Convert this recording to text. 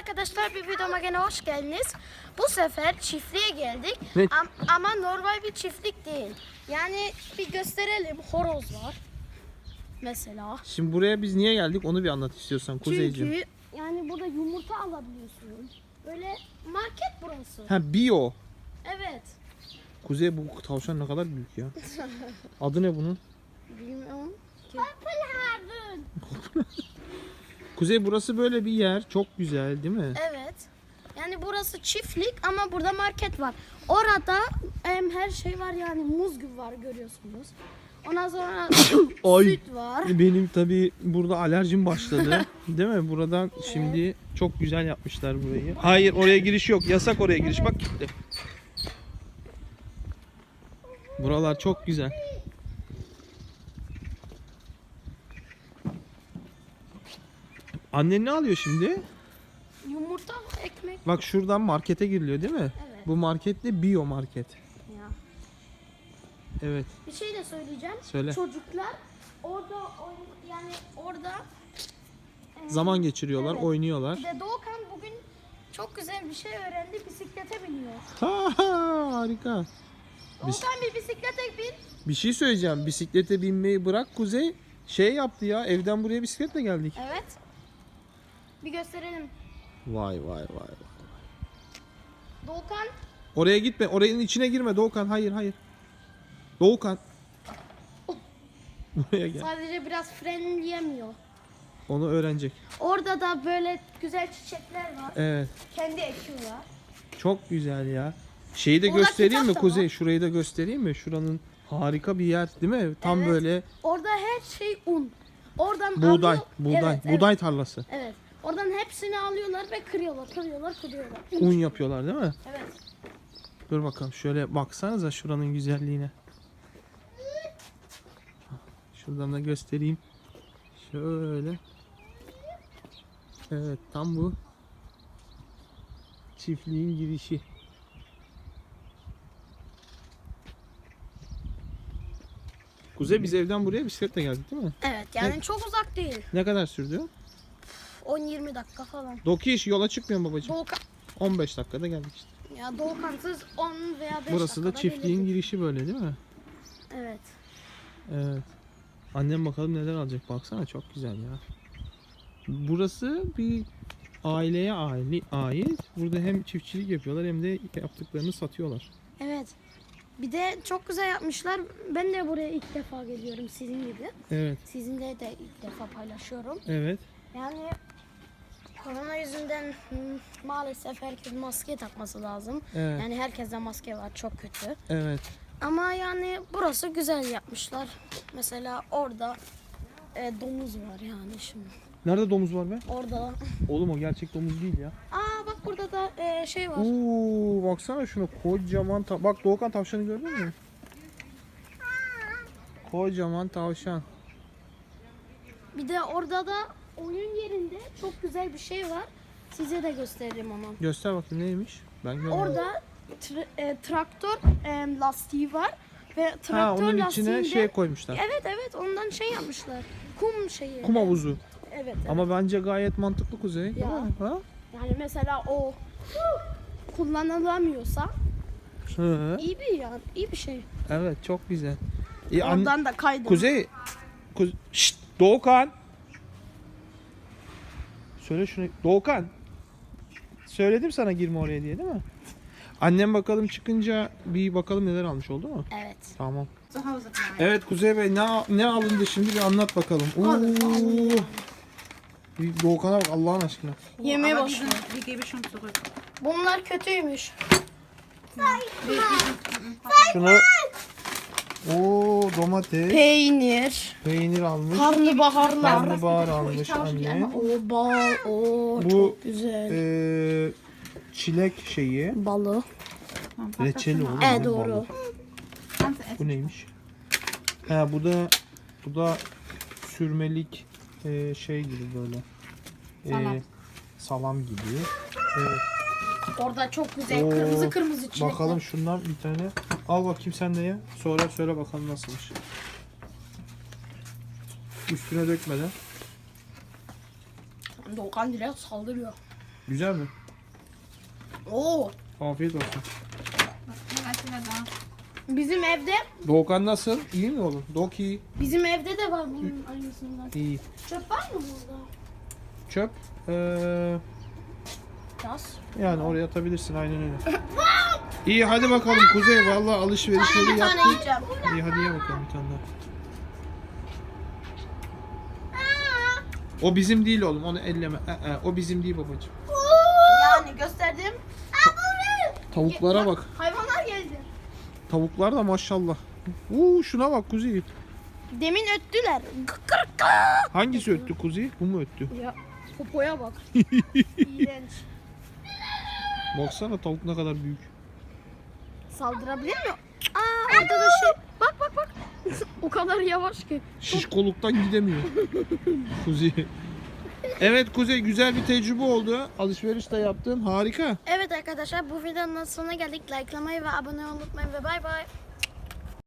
arkadaşlar, bir videoma gene hoş geldiniz. Bu sefer çiftliğe geldik. Ne? Ama normal bir çiftlik değil. Yani bir gösterelim. Horoz var. Mesela. Şimdi buraya biz niye geldik onu bir anlat istiyorsan Kuzeyciğim. Çünkü yani burada yumurta alabiliyorsun. Böyle market burası. Ha bio. Evet. Kuzey bu tavşan ne kadar büyük ya. Adı ne bunun? Bilmiyorum. Purple Heaven. Kuzey burası böyle bir yer. Çok güzel değil mi? Evet. Yani burası çiftlik ama burada market var. Orada her şey var, yani muz gibi var, görüyorsunuz. Ondan sonra Ay. süt var. Benim tabii burada alerjim başladı. Değil mi? Buradan şimdi çok güzel yapmışlar burayı. Hayır oraya giriş yok. Yasak oraya giriş. Bak gitti. Buralar çok güzel. Annen ne alıyor şimdi? Yumurta, ekmek. Bak şuradan markete giriliyor değil mi? Evet. Bu market de bio market. Ya. Evet. Bir şey de söyleyeceğim. Söyle. Çocuklar orada yani orada Zaman geçiriyorlar, evet. oynuyorlar. Bir de Doğukan bugün çok güzel bir şey öğrendi. Bisiklete biniyor. Ha, harika. Doğukan bir bisiklete bin. Bir şey söyleyeceğim. Bisiklete binmeyi bırak Kuzey. Şey yaptı ya. Evden buraya bisikletle geldik. Evet. Bir gösterelim. Vay vay vay. Doğukan Oraya gitme. Oranın içine girme Doğukan. Hayır hayır. Doğukan. Buraya gel. sadece biraz frenleyemiyor. Onu öğrenecek. Orada da böyle güzel çiçekler var. Evet. Kendi ekiyorlar. Çok güzel ya. Şeyi de Orada göstereyim mi kitap da Kuzey? var. Şurayı da göstereyim mi? Şuranın harika bir yer değil mi? Tam Evet. böyle Orada her şey un. Oradan buğday. alıyor- Buğday. Evet, Buğday tarlası. Evet. Oradan hepsini alıyorlar ve kırıyorlar. Un yapıyorlar değil mi? Evet. Dur bakalım şöyle baksanıza şuranın güzelliğine. Şuradan da göstereyim. Şöyle. Evet tam bu çiftliğin girişi. Kuzey biz evden buraya bisikletle geldik değil mi? Evet, yani çok uzak değil. Ne kadar sürdü? 10-20 dakika falan. Dokiş yola çıkmıyor babacığım. Doğukan, 15 dakikada geldik işte. ya Doğukansız 10 veya 5 Burası da dakikada çiftliğin gelirdik. girişi böyle değil mi? Evet. Evet. Annem bakalım neler alacak. Baksana çok güzel ya. Burası bir aileye ait. Burada hem çiftçilik yapıyorlar hem de yaptıklarını satıyorlar. Evet. Bir de çok güzel yapmışlar. Ben de buraya ilk defa geliyorum sizin gibi. Evet. Sizinle de ilk defa paylaşıyorum. Evet. Yani korona yüzünden maalesef herkes maske takması lazım. Evet. Yani herkeste maske var, çok kötü. Evet. Ama yani burası güzel yapmışlar. Mesela orada domuz var yani şimdi. Nerede domuz var be? Orada. Oğlum o gerçek domuz değil ya. Aa bak burada da şey var. Oo, baksana şuna kocaman bak Doğukan tavşanı gördün mü? Kocaman tavşan. Bir de orada da oyun yerinde çok güzel bir şey var. Size de gösteririm onu. Göster bakayım neymiş? Ben görmedim. Orada traktör lastiği var ve traktör Ha onun içine lastiğinde şey koymuşlar. evet ondan şey yapmışlar. Kum şeyi. Kum havuzu. Evet. Ama bence gayet mantıklı Kuzey. Ya. Değil mi? Ha? Yani mesela o kullanılamıyorsa Hı. iyi bir şey. Evet çok güzel. İyi, Oradan da kaydım. Kuzey. Şşt, Doğukan. Söyle şunu. Doğukan. Söyledim sana girme oraya diye değil mi? Annem bakalım çıkınca bir bakalım neler almış, oldu mu? Evet. Tamam. Evet Kuzey Bey ne alındı şimdi bir anlat bakalım. Oo. Bir Doğukan'a bak Allah'ın aşkına. Yemeye başlıyor. Die gebe ich schon zurück. Bunlar kötüymüş. Şunu. Oo domates. Peynir almış. Karnabaharlar. Karnabahar almış anne. O bal. O Bu çok güzel. Çilek şeyi. Balı. Reçeli olur. Evet doğru. Bu neymiş? Ha bu da sürmelik şey gibi böyle. Salam gibi. Orada çok güzel Oo, kırmızı çilekler. Bakalım şundan bir tane. Al bakayım sen de ye. Sonra söyle bakalım nasılmış. Üstüne dökmeden. Doğukan direkt saldırıyor. Güzel mi? Oo. Afiyet olsun. Bizim evde Doğukan nasıl? İyi mi oğlum? Doğuk iyi. bizim evde de var bunun aynısından. İyi. Çöp var mı burada? Çöp. Yaz. Yani oraya atabilirsin aynen öyle. İyi hadi bakalım Kuzey. Vallahi alışverişleri Bir tane yaptık. yiyeceğim. İyi hadi ye bakalım bir tane daha. O bizim değil oğlum. Onu elleme. O bizim değil babacığım. Yani gösterdim. Tavuklara bak. Hayvanlar geldi. Tavuklar da maşallah. Şuna bak Kuzey. Demin öttüler. Hangisi öttü Kuzey? Bu mu öttü? Ya popoya bak. İğrenç. Baksana tavuk ne kadar büyük. Saldırabilir mi? Aa orada da şey. Bak bak bak. O kadar yavaş ki. Şişkoluktan gidemiyor. Kuzey. Evet Kuzey güzel bir tecrübe oldu. Alışveriş de yaptın. Harika. Evet arkadaşlar bu videonun sonuna geldik. Likelamayı ve abone olmayı unutmayın ve bay bay.